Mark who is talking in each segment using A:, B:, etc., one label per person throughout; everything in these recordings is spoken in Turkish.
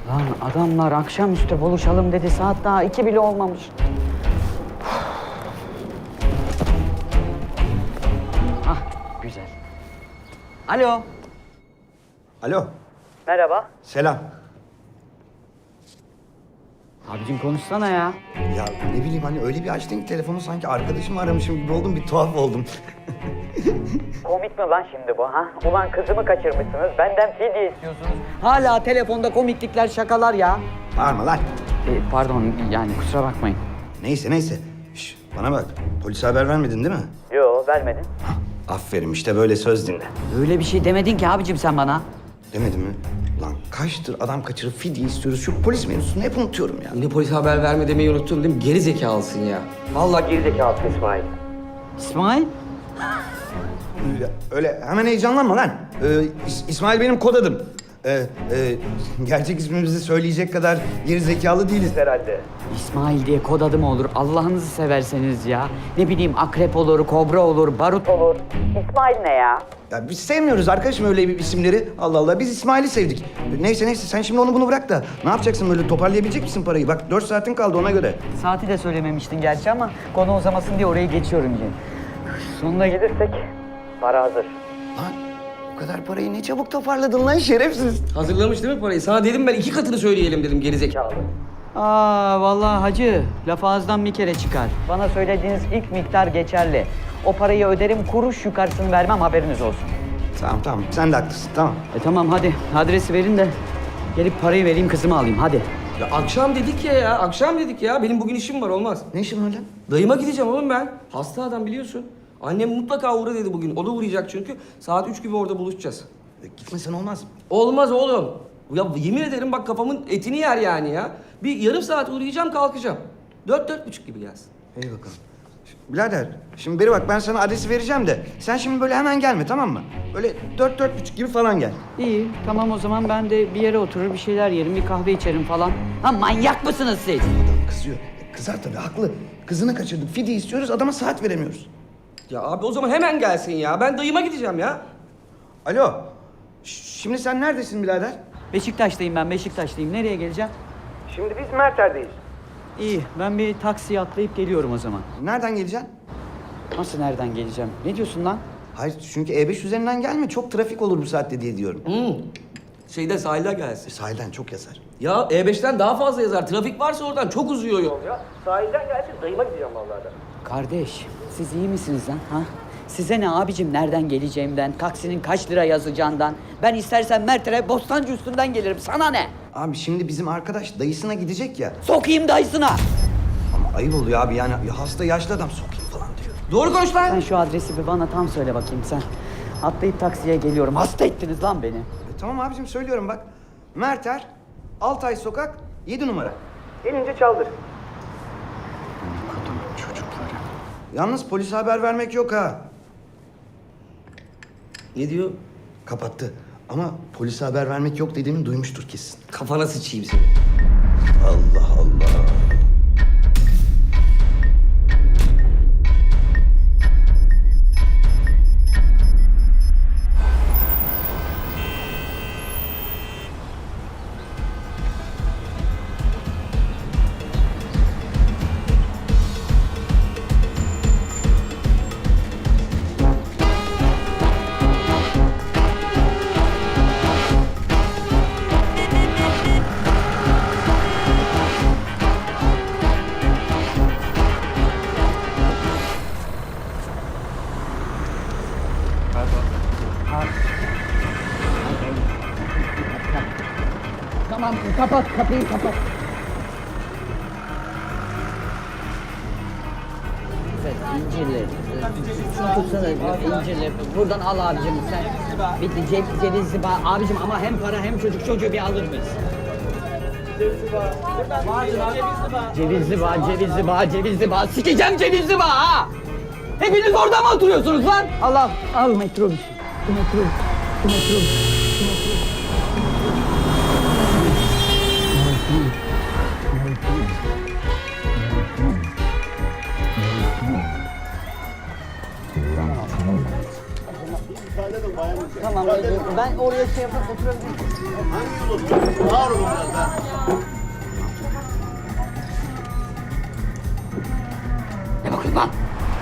A: Lan adamlar akşamüstü buluşalım dedi. Saat daha 2 bile olmamış. Ah güzel. Alo.
B: Alo,
A: Merhaba.
B: selam.
A: Abicim konuşsana ya.
B: Ya ne bileyim hani öyle bir açtın ki telefonu sanki arkadaşımı aramışım gibi oldum, bir tuhaf oldum.
A: Komik mi lan şimdi bu ha? Ulan kızımı kaçırmışsınız. Benden fidye istiyorsunuz. Hala telefonda komiklikler, şakalar ya.
B: Bağırma lan.
A: Pardon yani kusura bakmayın.
B: Neyse. Şş, bana bak, polise haber vermedin değil mi?
A: Yo vermedim.
B: Aferin, işte böyle söz dinle.
A: Öyle bir şey demedin ki abicim sen bana.
B: Demedim mi? Lan kaçtır adam kaçırıp fidye istiyoruz. Şu polis mevzusunu hep unutuyorum ya.
C: Yine polise haber verme demeyi unuttun değil mi? Geri zekalısın ya.
A: Vallahi gerizekalısın İsmail. İsmail?
B: Öyle hemen heyecanlanma lan. İsmail benim kod adım. Gerçek ismimizi söyleyecek kadar geri zekalı değiliz herhalde.
A: İsmail diye kod adı mı olur? Allah'ınızı severseniz ya. Ne bileyim akrep olur, kobra olur, barut olur. İsmail ne ya?
B: Ya biz sevmiyoruz arkadaşım öyle bir isimleri. Allah Allah, biz İsmail'i sevdik. Neyse sen şimdi onu bunu bırak da ne yapacaksın, böyle toparlayabilecek misin parayı? Bak 4 saatin kaldı ona göre.
A: Saati de söylememiştin gerçi ama konu uzamasın diye orayı geçiyorum yine. Sonuna gelirsek para hazır.
B: Lan o kadar parayı ne çabuk toparladın lan şerefsiz.
C: Hazırlamış değil mi parayı? Sana dedim ben 2 katını söyleyelim dedim geri zekalı.
A: Aa vallahi hacı, laf ağızdan bir kere çıkar. Bana söylediğiniz ilk miktar geçerli. O parayı öderim, kuruş yukarısını vermem, haberiniz olsun.
B: Tamam sen de haklısın, tamam.
A: Tamam hadi, adresi verin de gelip parayı vereyim, kızımı alayım hadi.
C: Ya akşam dedik ya, akşam dedik ya. Benim bugün işim var, olmaz.
B: Ne işin var lan?
C: Dayıma gideceğim oğlum ben. Hasta adam biliyorsun. Annem mutlaka uğra dedi bugün. O da uğrayacak çünkü. Saat 3 gibi orada buluşacağız.
B: Gitmesen olmaz mı?
C: Olmaz oğlum. Ya yemin ederim bak kafamın etini yer yani ya. Bir yarım saat uğrayacağım kalkacağım. 4-4.30 gibi gelsin.
B: İyi bakalım. Birader, şimdi beri bak ben sana adresi vereceğim de sen şimdi böyle hemen gelme, tamam mı? Böyle 4-4.30 gibi falan gel.
A: İyi, tamam o zaman ben de bir yere oturur, bir şeyler yerim, bir kahve içerim falan. Ha manyak mısınız siz?
B: Adam kızıyor. Kızar tabii, haklı. Kızını kaçırdık, fidye istiyoruz, adama saat veremiyoruz.
C: Ya abi o zaman hemen gelsin ya. Ben dayıma gideceğim ya.
B: Alo, şimdi sen neredesin birader?
A: Beşiktaş'tayım ben, Beşiktaş'tayım. Nereye geleceğim?
B: Şimdi biz Merter'deyiz.
A: İyi, ben bir taksiye atlayıp geliyorum o zaman.
B: Nereden geleceksin?
A: Nasıl nereden geleceğim? Ne diyorsun lan?
B: Hayır, çünkü E5 üzerinden gelme, çok trafik olur bu saatte diye diyorum.
C: Şeyde sahilden gelsin.
B: Sahilden çok yazar.
C: Ya E5'ten daha fazla yazar. Trafik varsa oradan çok uzuyor yol ya. Sahilden gelsin dayıma gideceğim vallahi da.
A: Kardeş, siz iyi misiniz lan? Ha? Size ne abicim nereden geleceğimden, taksinin kaç lira yazacağından. Ben istersen Mert'e Bostancı üstünden gelirim. Sana ne?
B: Abi şimdi bizim arkadaş dayısına gidecek ya.
A: Sokayım dayısına.
B: Ama ayıp oluyor abi yani, hasta yaşlı adam sokayım falan diyor.
C: Doğru konuş lan.
A: Sen şu adresi bir bana tam söyle bakayım sen. Atlayıp taksiye geliyorum. Hasta ettiniz lan beni.
B: Tamam abicim, söylüyorum bak. Merter, Altay Sokak, 7 numara. Gelince çaldır.
A: Çocukları.
B: Yalnız polise haber vermek yok ha.
C: Ne diyor?
B: Kapattı. Ama polise haber vermek yok dediğimi duymuştur kesin.
C: Kafana sıçayım seni.
B: Allah Allah.
A: Tamam kapat kapıyı kapat. Evet, incirli. Şunu tutsana incirli. Buradan al abicim sen. Bitti cevizli bağ. Abicim ama hem para hem çocuk çocuğu bir alır mıyız? Cevizli bağ, cevizli bağ, cevizli bağ. Sikeceğim cevizli bağ ha! Hepiniz orada mı oturuyorsunuz lan? Al metrobüs. Metrobüs. Metrobüs. Tamam Ben oraya şey yapıp oturabilirim.
D: Hangi yol oturuyorsun? Ağır olun biraz daha.
A: Ne bakıyorsun lan?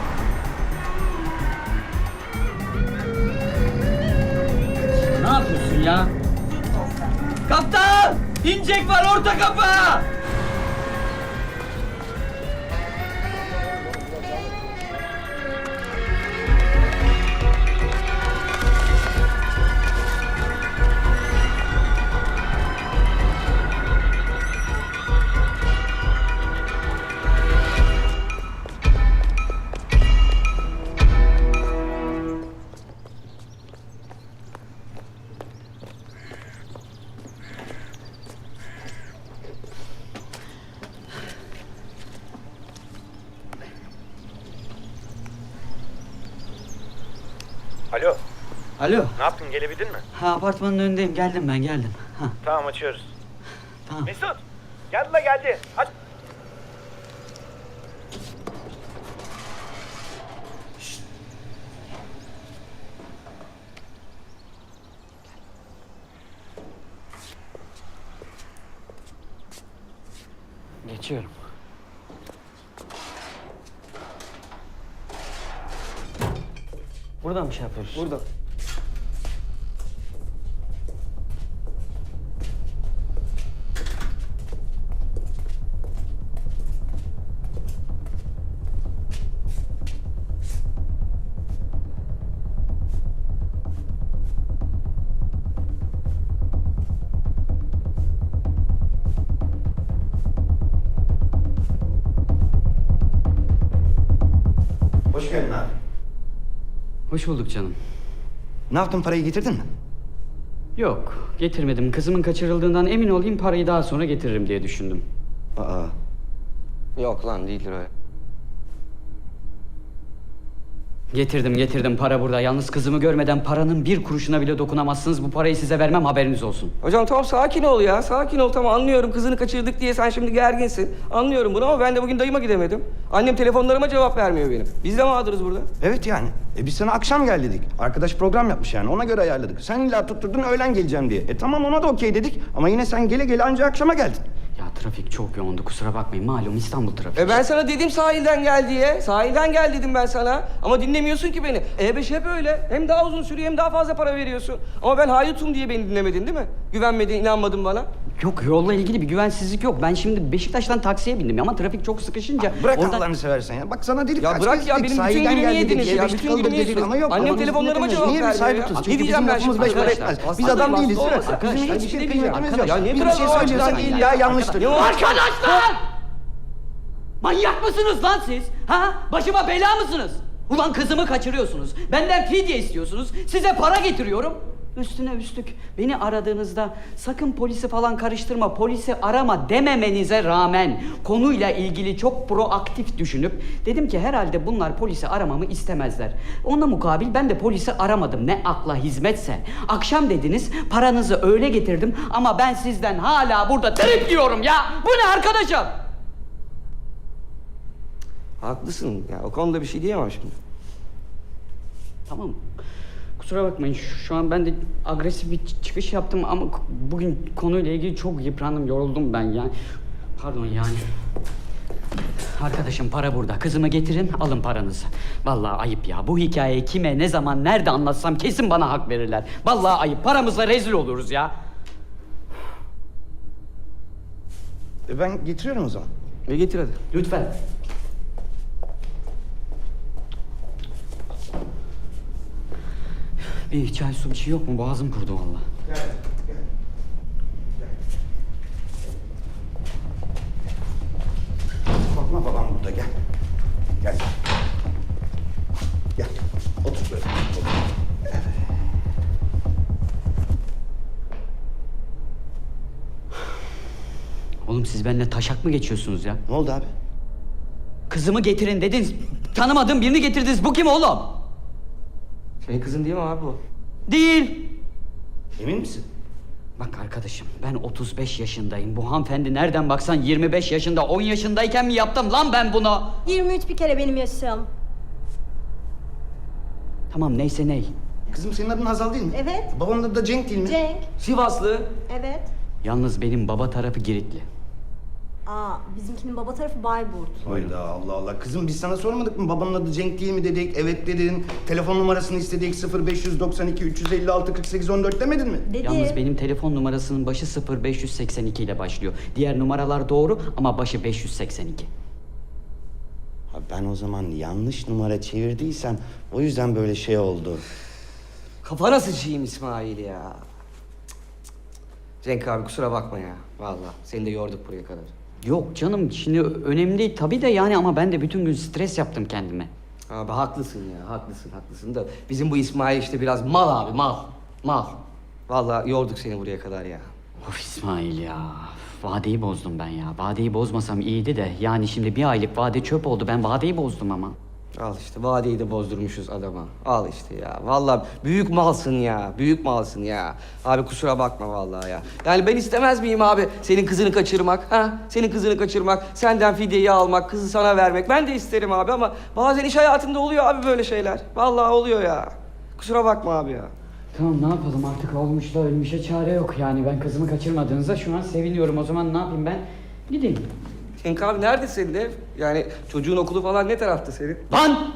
A: Ne yapıyorsun ya? Kaptan! İncek var orta kapı!
E: Alo,
A: Alo.
E: ne yaptın? Gelebildin mi?
A: Ha, apartmanın önündeyim. Geldim ben, geldim. Ha,
E: Tamam, açıyoruz.
A: tamam.
E: Mesut, geldi la geldi. Aç.
A: Geçiyorum. Buradan mı şey yapıyoruz?
C: Burada.
B: Hoş geldin abi.
A: Hoş bulduk canım.
B: Ne yaptın, parayı getirdin mi?
A: Yok, getirmedim. Kızımın kaçırıldığından emin olayım, parayı daha sonra getiririm diye düşündüm.
B: Aa,
C: Yok lan değildir öyle.
A: Getirdim. Para burada. Yalnız kızımı görmeden paranın bir kuruşuna bile dokunamazsınız. Bu parayı size vermem, haberiniz olsun.
C: Hocam tamam sakin ol ya. Sakin ol tamam anlıyorum. Kızını kaçırdık diye sen şimdi gerginsin. Anlıyorum bunu ama ben de bugün dayıma gidemedim. Annem telefonlarıma cevap vermiyor benim. Biz de mağduruz burada.
B: evet yani. Biz sana akşam gel dedik. Arkadaş program yapmış yani, ona göre ayarladık. Sen illa tutturdun öğlen geleceğim diye. Tamam, ona da okey dedik ama yine sen gele gele anca akşama geldin.
A: Ya trafik çok yoğundu, kusura bakmayın. Malum İstanbul trafiği.
C: Ben sana dedim sahilden gel diye. Sahilden gel dedim ben sana. Ama dinlemiyorsun ki beni. E5 hep öyle. Hem daha uzun sürüyor hem daha fazla para veriyorsun. Ama ben hayutum diye beni dinlemedin değil mi? Güvenmedin, inanmadın bana.
A: Yok, yolla ilgili bir güvensizlik yok. Ben şimdi Beşiktaş'tan taksiye bindim ama trafik çok sıkışınca...
B: Bırak
A: oradan...
B: Allah'ını seversen ya. Bak sana dedik
C: Ya
B: kaç
C: bırak
B: kez
C: ya,
B: dedik,
C: benim bütün
B: sahilden
C: günümü
B: gel dedik,
C: yediniz ya,
B: E5
C: bütün
B: kaldır
C: günümü
B: dedik
C: yediniz.
B: ama yok.
C: Annem
B: ama biz
C: telefonlarıma
B: dinlemiyoruz.
C: cevap
B: Niye bir
C: vermiyor
B: sahibi
C: ya?
B: tutuyoruz?
C: Ne
B: Çünkü
C: diyeceğim
B: bizim
C: ben
B: lafımız
C: şimdi?
B: beş para
C: Arkadaşlar,
B: etmez. Biz
C: aslında
B: adam
C: bak,
B: değiliz değil mi?
C: olmasın.
B: Bizim
A: Arkadaşlar,
B: hiçbir
C: bir şey
B: şey
C: diyeceğim.
B: kıymetimiz yok.
C: Ya niye
B: Bir
C: biraz
B: şey
C: daha
B: söylüyorsan
C: açıdan
B: illa yanlıştır.
C: Ne oldu?
A: Arkadaşlar! Manyak mısınız lan siz? Ha? Başıma bela mısınız? Ulan kızımı kaçırıyorsunuz. Benden fidye istiyorsunuz. Size para getiriyorum. Üstüne üstlük beni aradığınızda sakın polisi falan karıştırma, polisi arama dememenize rağmen konuyla ilgili çok proaktif düşünüp dedim ki herhalde bunlar polisi aramamı istemezler. Ona mukabil ben de polisi aramadım. Ne akla hizmetse. Akşam dediniz paranızı öyle getirdim ama ben sizden hala burada trip yiyorum ya. Bu ne arkadaşım?
C: Haklısın ya, o konuda bir şey diyemem şimdi.
A: Tamam. Kusura bakmayın. Şu an ben de agresif bir çıkış yaptım ama bugün konuyla ilgili çok yıprandım, yoruldum ben yani. Pardon yani. Arkadaşım para burada. Kızımı getirin, alın paranızı. Vallahi ayıp ya. Bu hikayeyi kime, ne zaman, nerede anlatsam kesin bana hak verirler. Vallahi ayıp. Paramızla rezil oluruz ya.
B: Ben getiriyorum o zaman.
C: Getir hadi.
A: Lütfen. Bir çay su bir şey yok mu? Boğazım kurudu vallahi.
B: Korkma, babam burada, gel. Gel. Gel. Otur böyle. Otur. Evet.
A: Oğlum siz benimle taşak mı geçiyorsunuz ya?
B: Ne oldu abi?
A: Kızımı getirin dediniz. Tanımadığım birini getirdiniz. Bu kim oğlum?
C: Senin kızın değil mi abi bu?
A: Değil.
B: Emin misin?
A: Bak arkadaşım ben 35 yaşındayım. Bu hanımefendi nereden baksan 25 yaşında, 10 yaşındayken mi yaptım lan ben bunu?
F: 23 bir kere benim yaşım.
A: Tamam neyse ney.
B: Kızım senin adın Hazal değil mi?
F: Evet.
B: Babanın adı da Cenk değil mi?
F: Cenk.
C: Sivaslı.
F: Evet.
A: Yalnız benim baba tarafı Giritli.
F: Aa, bizimkinin baba tarafı Bayburt.
B: Hayda Allah Allah. Kızım biz sana sormadık mı babanın adı Cenk değil mi dedik? Evet dedin. Telefon numarasını istedik 0592 356 48 14 demedin mi?
F: Dedi.
A: Yalnız benim telefon numarasının başı 0582 ile başlıyor. Diğer numaralar doğru ama başı 582.
B: Ha ben o zaman yanlış numara çevirdiysem o yüzden böyle şey oldu.
C: Kafana sıçayım İsmail ya. Cenk abi kusura bakma ya. Vallahi seni de yorduk buraya kadar.
A: Yok canım şimdi önemli değil tabii de yani ama ben de bütün gün stres yaptım kendime.
C: Abi haklısın ya, haklısın da bizim bu İsmail işte biraz mal abi, mal. Vallahi yorduk seni buraya kadar ya.
A: Of İsmail ya. Vadeyi bozdum ben ya. Vadeyi bozmasam iyiydi de. Yani şimdi bir aylık vade çöp oldu. Ben vadeyi bozdum ama.
C: Al işte vadeyi de bozdurmuşuz adama. Al işte ya. Vallahi büyük malsın ya. Büyük malsın ya. Abi kusura bakma vallahi ya. Yani ben istemez miyim abi senin kızını kaçırmak? Ha? Senin kızını kaçırmak, senden fidyeyi almak, kızı sana vermek. Ben de isterim abi ama bazen iş hayatında oluyor abi böyle şeyler. Vallahi oluyor ya. Kusura bakma abi ya.
A: Tamam ne yapalım artık olmuşla ölmüşe çare yok. Yani ben kızımı kaçırmadığınızda şu an seviniyorum. O zaman ne yapayım ben? Gideyim.
C: Cenk abi nerede senin ev? Yani çocuğun okulu falan ne tarafta senin?
A: Lan!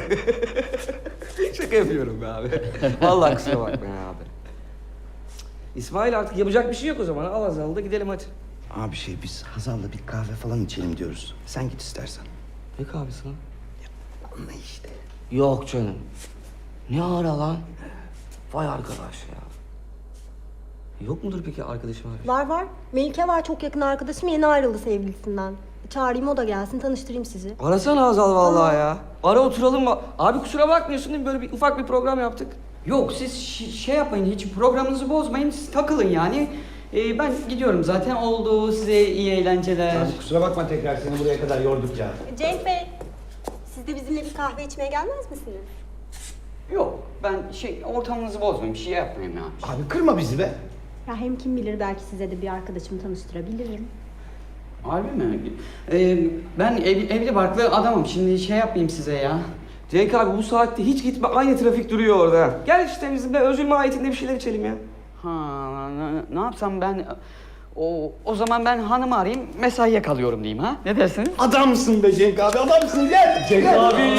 C: Şaka yapıyorum be abi. Vallahi kusura bakma ya abi. İsmail artık yapacak bir şey yok o zaman. Al Hazal'ı da gidelim hadi.
B: Abi biz Hazal'la bir kahve falan içelim diyoruz. Sen git istersen.
C: Ne kahvesi lan?
B: Anla işte.
C: Yok canım. Ne ara lan? Vay arkadaş ya. Yok mudur peki arkadaşım abi?
F: Var. Melike var, çok yakın arkadaşım, yeni ayrıldı sevgilisinden. Çağırayım, o da gelsin, tanıştırayım sizi.
C: Arasana Hazal vallahi ya. Ara oturalım mı? Abi kusura bakmıyorsun değil mi? Böyle bir ufak bir program yaptık.
A: Yok siz şey yapmayın hiç programınızı bozmayın. Siz takılın yani. Ben gidiyorum zaten. Oldu size iyi eğlenceler.
B: Kusura bakma tekrar seni buraya kadar yorduk ya.
F: Cenk Bey, siz de bizimle bir kahve içmeye gelmez misiniz?
A: Yok ben ortamınızı bozmayayım. Bir şey yapmayayım ya.
B: Abi kırma bizi be.
F: Ya hem kim bilir, belki size de bir arkadaşımı tanıştırabilirim.
A: Harbi mi? Ben evli barklı adamım. Şimdi şey yapmayayım size ya.
C: Cenk abi bu saatte hiç gitme. Aynı trafik duruyor orada. Gel işte bizimle özül mahiyetinde bir şeyler içelim ya.
A: Ha, ne yapsam ben... O zaman ben hanımı arayayım, mesaiye kalıyorum diyeyim ha? Ne dersiniz?
B: Adamsın be Cenk abi adamsın gel. Cenk abi.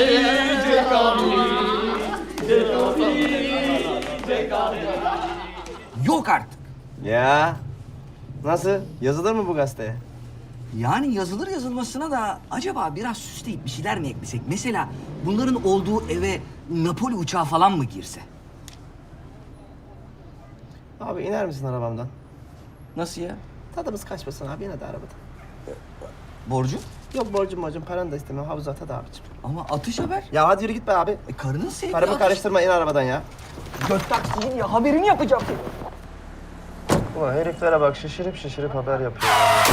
G: Yok artık.
E: Ya. Nasıl? Yazılır mı bu gazeteye?
G: Yani yazılır yazılmasına da acaba biraz süsleyip bir şeyler mi eklesek? Mesela bunların olduğu eve Napoli uçağı falan mı girse?
E: Abi iner misin arabamdan?
G: Nasıl ya?
E: Tadımız kaçmasın abi, yine de arabadan.
G: Borcu?
E: Yok borcum paranı da istemem, havuzata da abicim.
G: Ama atış haber.
E: Ya hadi yürü git be abi.
G: Karının sevdiği
E: Karımı
G: atış.
E: karıştırma, in arabadan ya.
G: Gök taksinin ya haberini yapacağım.
E: Ulan heriflere bak, şişirip haber yapıyor.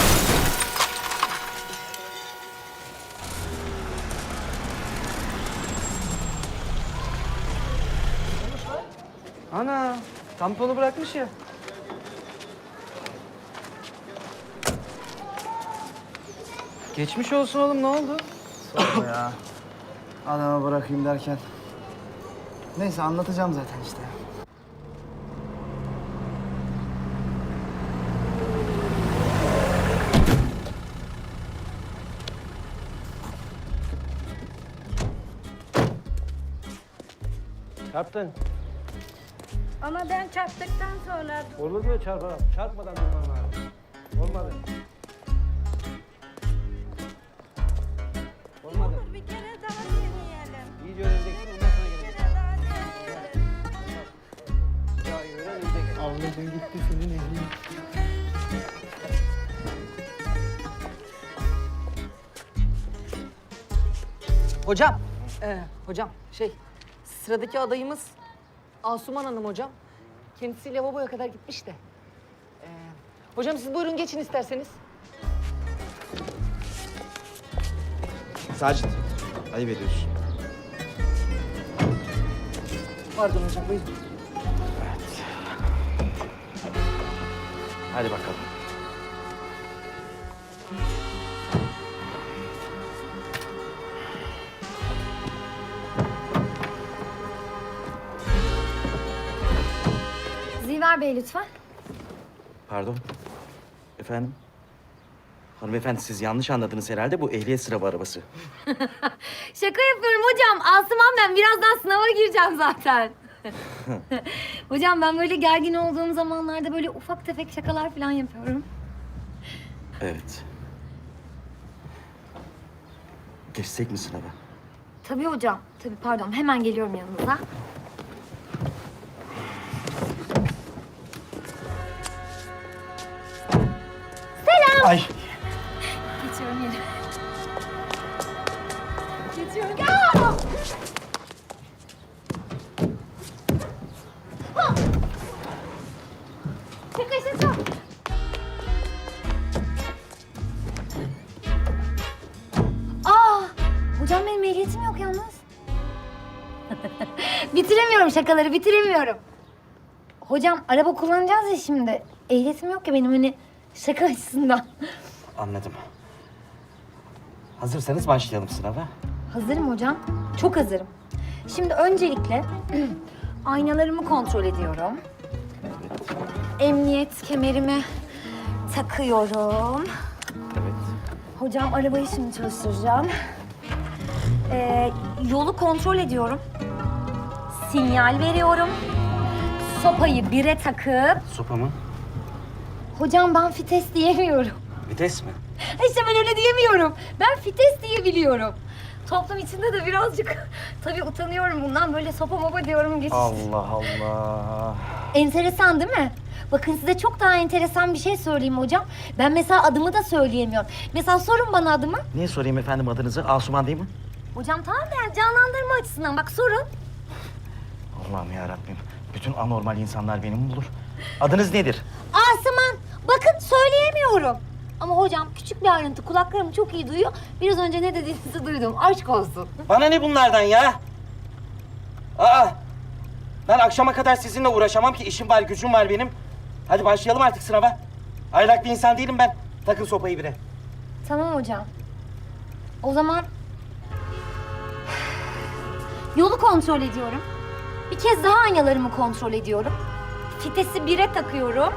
C: Ana tamponu bırakmış ya. Geçmiş olsun oğlum, ne oldu?
H: Sorma ya. Adama bırakayım derken. Neyse anlatacağım zaten işte.
E: Çarptın.
I: Ama ben çarptıktan sonra
E: Olur mu çarpmadan? Çarpmadan durman lazım. Olmadı. Olmadı.
I: dur bir kere daha deneyelim.
E: İyice öğreneceksin, ondan sonra
I: Bir
E: geleceksin.
I: kere daha deneyelim.
E: Ya öğren, önce gel.
H: Avladın gitti senin elin.
J: Hocam sıradaki adayımız Asuman Hanım hocam. Kendisi lavaboya kadar gitmiş de. Hocam siz buyurun geçin isterseniz.
E: Sacit, ayıp ediyorsun.
J: Pardon hocam buyurun.
E: Hadi bakalım.
I: Ömer Bey lütfen.
H: Pardon. Efendim? Hanımefendi siz yanlış anladınız herhalde. Bu ehliyet sınavı arabası.
I: Şaka yapıyorum hocam. Asuman ben. Birazdan sınava gireceğim zaten. Hocam ben böyle gergin olduğum zamanlarda böyle ufak tefek şakalar falan yapıyorum.
H: Evet. Geçsek mi sınava?
I: Tabii hocam. Tabii pardon. Hemen geliyorum yanınıza.
H: Ay.
I: Geçiyorum yine. Geçiyorum. Aa! Ha! Şaka şaka. Hocam benim ehliyetim yok yalnız. Bitiremiyorum şakaları, bitiremiyorum. Hocam araba kullanacağız ya şimdi. Ehliyetim yok ya benim hani şaka açısından.
H: Anladım. Hazırsanız başlayalım sınava.
I: Hazırım hocam. Çok hazırım. Şimdi öncelikle aynalarımı kontrol ediyorum. Emniyet kemerimi takıyorum.
H: Evet.
I: Hocam arabayı şimdi çalıştıracağım. Yolu kontrol ediyorum. Sinyal veriyorum. Sopayı bire takıp...
H: Sopa mı?
I: Hocam ben fites diyemiyorum.
H: Vites mi?
I: İşte ben öyle diyemiyorum. Ben fites diyebiliyorum. Toplum içinde de birazcık tabii utanıyorum bundan. Böyle sopa mopa diyorum geç.
H: Allah Allah.
I: Enteresan değil mi? Bakın size çok daha enteresan bir şey söyleyeyim hocam. Ben mesela adımı da söyleyemiyorum. Mesela sorun bana adımı.
H: Niye sorayım efendim adınızı? Asuman değil mi?
I: Hocam tamam yani canlandırma açısından bak sorun.
H: Allah'ım yarabbim. Bütün anormal insanlar beni mi bulur? Adınız nedir?
I: Asuman. Bakın söyleyemiyorum. Ama hocam küçük bir ayrıntı kulaklarım çok iyi duyuyor. Biraz önce ne dediğinizi duydum. Aşk olsun.
H: Bana ne bunlardan ya? Aa! Ben akşama kadar sizinle uğraşamam ki işim var, gücüm var benim. Hadi başlayalım artık sınava. Aylak bir insan değilim ben. Takın sopayı bire.
I: Tamam hocam. O zaman yolu kontrol ediyorum. Bir kez daha aynalarımı kontrol ediyorum. Fitesi bire takıyorum.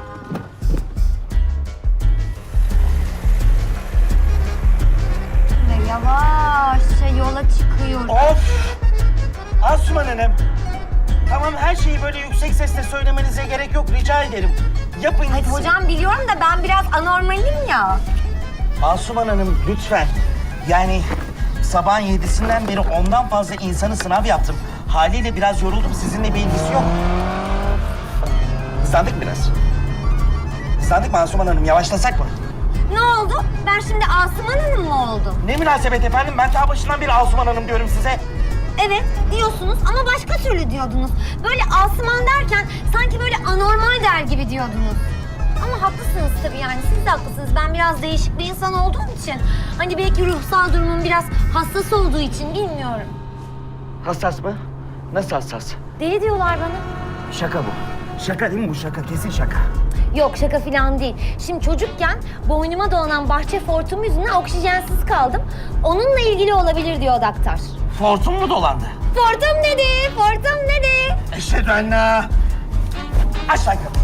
I: Ve yavaşça yola çıkıyorum.
H: Of! Asuman Hanım. Tamam her şeyi böyle yüksek sesle söylemenize gerek yok. Rica ederim. Yapın
I: Hadi
H: gitsin.
I: hocam biliyorum da ben biraz anormalim ya.
H: Asuman Hanım lütfen. Yani sabahın 7'sinden beri ondan fazla insanı sınav yaptım. Haliyle biraz yoruldum. Sizinle bir ilgisi yok. Hızlandık mı biraz? Hızlandık mı Asuman Hanım? Yavaşlasak mı?
I: Ne oldu? Ben şimdi Asuman Hanım mı oldum?
H: Ne münasebet efendim? Ben ta başından beri Asuman Hanım diyorum size.
I: Evet diyorsunuz ama başka türlü diyordunuz. Böyle Asuman derken sanki böyle anormal der gibi diyordunuz. Ama haklısınız tabii yani siz de haklısınız. Ben biraz değişik bir insan olduğum için. Hani belki ruhsal durumum biraz hassas olduğu için bilmiyorum.
H: Hassas mı? Nasıl hassas?
I: Deli diyorlar bana.
H: Şaka bu. Şaka değil mi bu şaka? Kesin şaka.
I: Yok şaka falan değil. Şimdi çocukken boynuma dolanan bahçe fortum yüzünden oksijensiz kaldım. Onunla ilgili olabilir diyor doktor.
H: Fortun mu dolandı?
I: Fortum dedi, fortum dedi.
H: Eşhedü ennâ. Aç lan kapıyı.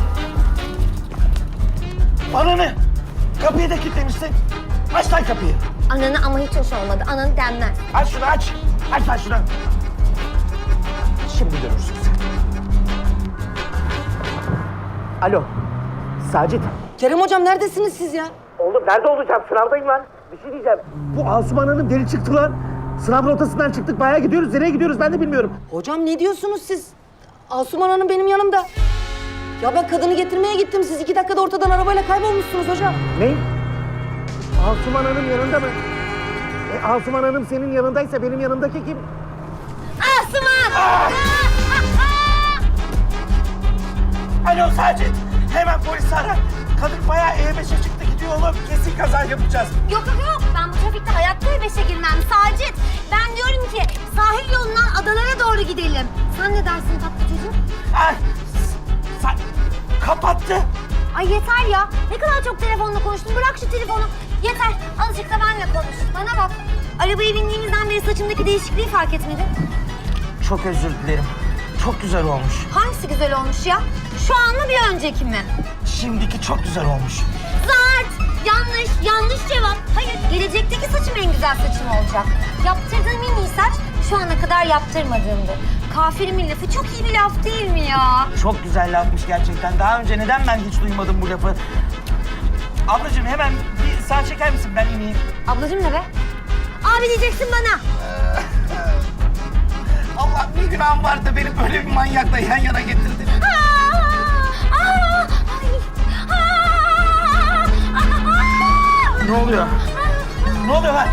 H: Bana ne? Kapıyı da kilitlemişsin. Aç lan kapıyı.
I: Ananı ama hiç hoş olmadı. Ananı denmez.
H: Aç şunu aç. Aç lan şunu. Şimdi görürsün sen. Alo. Sacit.
J: Kerem hocam neredesiniz siz ya?
H: Oğlum nerede olacağım? Sınavdayım lan. Bir şey diyeceğim. Bu Asuman Hanım deli çıktı lan. Sınav rotasından çıktık. Bayağı gidiyoruz. Nereye gidiyoruz ben de bilmiyorum.
J: Hocam ne diyorsunuz siz? Asuman Hanım benim yanımda. Ya ben kadını getirmeye gittim. Siz 2 dakikada ortadan arabayla kaybolmuşsunuz hocam.
H: Ne? Asuman Hanım yanında mı? Asuman Hanım senin yanındaysa benim yanımdaki kim?
I: Asuman!
H: Alo Sacit. Hemen polisi ara. Kadın bayağı E5'e çıktı gidiyor oğlum. Kesin kaza yapacağız.
I: Yok yok yok. Ben bu trafikte hayatta E5'e girmem. Sacit. Ben diyorum ki sahil yolundan adalara doğru gidelim. Sen ne dersin tatlı çocuğum?
H: Ay, kapattı.
I: Ay yeter ya. Ne kadar çok telefonla konuştun. Bırak şu telefonu. Yeter. Azıcık da benimle konuş. Bana bak. Arabaya bindiğimizden beri saçımdaki değişikliği fark etmedin.
H: Çok özür dilerim. Çok güzel olmuş.
I: Hangisi güzel olmuş ya? Şu an mı bir önceki mi?
H: Şimdiki çok güzel olmuş.
I: Zart! Yanlış cevap. Hayır, gelecekteki saçım en güzel saçım olacak. Yaptırdığım en iyi saç şu ana kadar yaptırmadığımdı. Kafirimin lafı çok iyi bir laf değil mi ya?
H: Çok güzel lafmış gerçekten. Daha önce neden ben hiç duymadım bu lafı? Ablacığım hemen bir sağ çeker misin? Ben ineyim.
I: Ablacığım ne be? Abi diyeceksin bana.
H: Allah bir günahım var da beni böyle bir manyakla yan yana getirdin. Ne oluyor? Ne oluyor lan?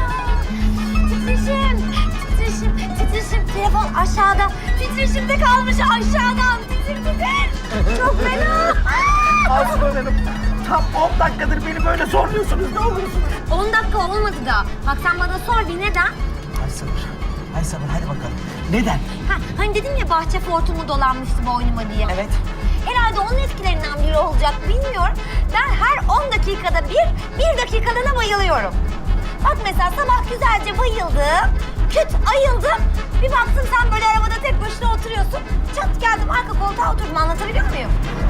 I: Titreşim. Telefon aşağıda. Titreşimde kalmış aşağıdan. Çok fena.
H: Aslan Hanım, tam 10 dakikadır beni böyle zorluyorsunuz. Ne olursunuz?
I: 10 dakika olmadı da. Bak sen bana sor bir neden?
H: Ay sabır hadi bakalım. Neden?
I: Hani dedim ya bahçe fortumu dolanmıştı boynuma diye.
H: Evet.
I: Herhalde onun etkilerinden biri olacak bilmiyorum. Ben her 10 dakikada bir dakikalığına bayılıyorum. Bak mesela sabah güzelce bayıldım, küt ayıldım. Bir baktım sen böyle arabada tek başına oturuyorsun. Çat geldim arka koltuğa oturdum, anlatabiliyor muyum?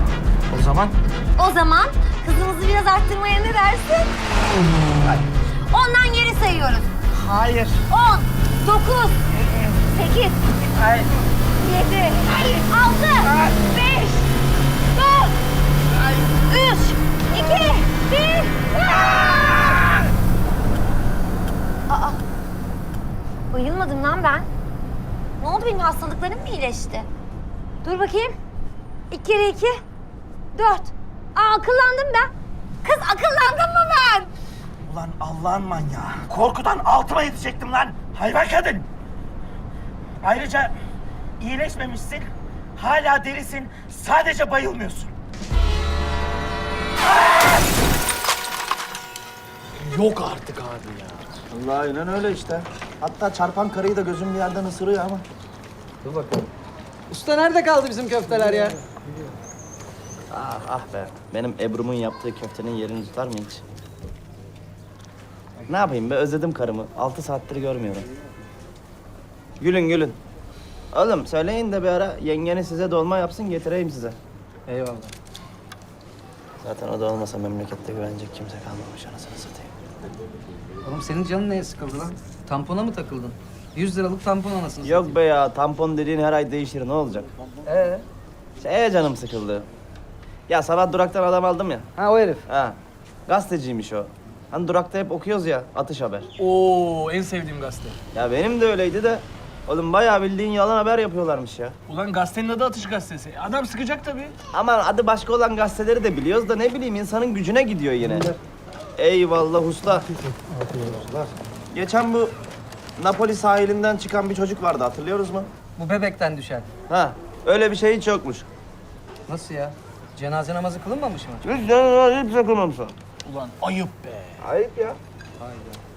I: O zaman hızımızı biraz arttırmaya ne dersin? Ondan geri sayıyoruz.
H: Hayır.
I: 10, 9, 8,
H: Hayır.
I: 7, 6, 5, 4, 3, 2, 1. Aa! Bayılmadım lan ben. Ne oldu, benim hastalıklarım mı iyileşti? Dur bakayım. 2 kere 2, 4. Akıllandım ben. Kız akıllandım mı ben?
H: Ulan Allah'ın manyağı. Korkudan altıma yetecektim lan. Hayvan kadın. Ayrıca iyileşmemişsin. Hala delisin. Sadece bayılmıyorsun.
D: Yok artık abi ya.
E: Allah aynen öyle işte. Hatta çarpan karıyı da gözüm bir yerden ısırıyor ama.
C: Dur bakalım. Usta nerede kaldı bizim köfteler ya?
E: Ah be. Benim Ebru'mun yaptığı köftenin yerini tutar mı hiç? Ne yapayım be, özledim karımı. 6 saattir görmüyorum. Gülün. Oğlum söyleyin de bir ara yengeni size dolma yapsın, getireyim size.
C: Eyvallah.
E: Zaten o da olmasa memlekette güvenecek kimse kalmamış, anasını satayım.
C: Oğlum senin canın neye sıkıldı lan? Tampona mı takıldın? 100 liralık tampon anasını
E: Yok be ya, tampon dediğin her ay değişir, ne olacak? Şeye canım sıkıldı. Ya sabah duraktan adam aldım ya.
C: Ha o herif.
E: Ha, gazeteciymiş o. Hani durakta hep okuyoruz ya, atış haber.
D: Oo, en sevdiğim gazete.
E: Ya benim de öyleydi de. Oğlum bayağı bildiğin yalan haber yapıyorlarmış ya.
D: Ulan gazetenin adı Atış Gazetesi. Adam sıkacak tabii.
E: Aman adı başka olan gazeteleri de biliyoruz da ne bileyim insanın gücüne gidiyor yine. Eyvallah usta. Geçen bu Napoli sahilinden çıkan bir çocuk vardı, hatırlıyoruz mu?
C: Bu bebekten düşen.
E: Ha, öyle bir şey hiç yokmuş.
C: Nasıl ya? Cenaze namazı kılınmamış mı?
E: Hiç takılmamış o.
D: Ulan ayıp be.
E: Ayıp ya.
C: Hayda.